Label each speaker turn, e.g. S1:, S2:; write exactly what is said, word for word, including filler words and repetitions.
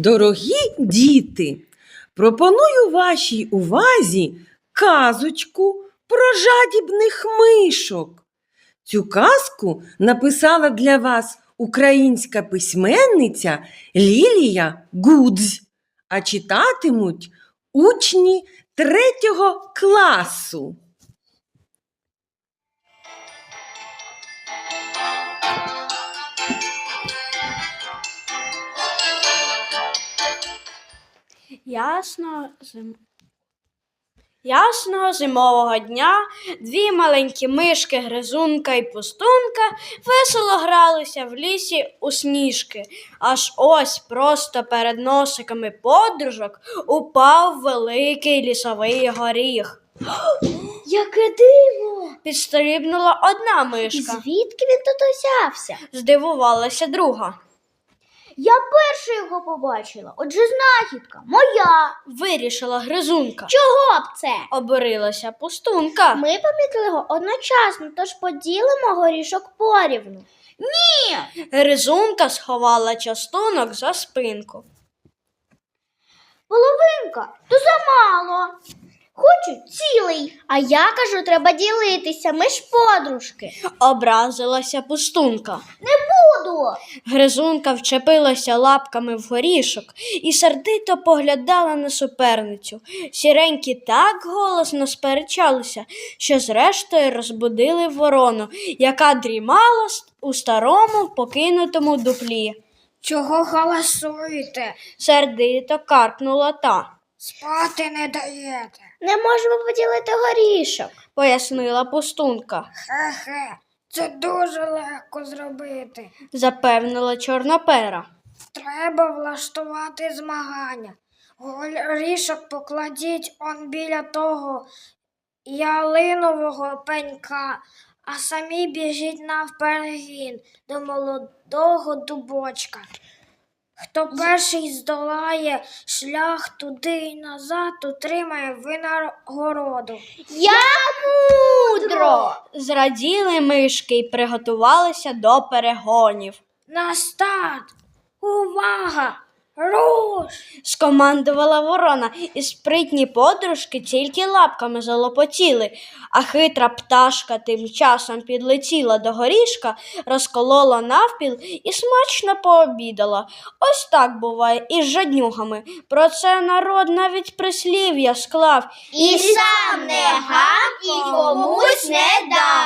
S1: Дорогі діти, пропоную вашій увазі казочку про жадібних мишок. Цю казку написала для вас українська письменниця Лілія Гудзь, а читатимуть учні третього класу.
S2: Ясно, зим... Ясного зимового дня дві маленькі мишки Гризунка і Пустунка весело гралися в лісі у сніжки. Аж ось просто перед носиками подружок упав великий лісовий горіх.
S3: Яке диво!
S2: Підстрибнула одна мишка.
S3: Звідки він тут узявся?
S2: Здивувалася друга.
S3: Я перша його побачила, отже знахідка моя.
S2: Вирішила Гризунка.
S3: Чого б це?
S2: Обурилася Пустунка.
S3: Ми помітили його одночасно, тож поділимо горішок порівну. Ні!
S2: Гризунка сховала частунок за спинку.
S3: Половинка, то замало. Хочу цілий. А я кажу, треба ділитися, ми ж подружки.
S2: Образилася Пустунка.
S3: Не буду.
S2: Гризунка вчепилася лапками в горішок і сердито поглядала на суперницю. Сіренькі так голосно сперечалися, що зрештою розбудили ворону, яка дрімала у старому покинутому дуплі.
S4: Чого галасуєте?
S2: Сердито каркнула та.
S4: Спати не даєте.
S3: Не можемо поділити горішок.
S2: Пояснила Пустунка.
S4: Хе-хе, це дуже легко зробити.
S2: Запевнила Чорнопера.
S4: Треба влаштувати змагання. Горішок покладіть он біля того ялинового пенька, а самі біжіть навперегін до молодого дубочка. Хто перший здолає шлях туди і назад, отримає винагороду.
S3: Як мудро!
S2: Зраділи мишки й приготувалися до перегонів.
S4: На старт! Увага! Руш!
S2: Скомандувала ворона, і спритні подружки тільки лапками залопотіли, а хитра пташка тим часом підлетіла до горішка, розколола навпіл і смачно пообідала. Ось так буває із жаднюгами. Про це народ навіть прислів'я склав.
S3: І сам не гам, і комусь не дам.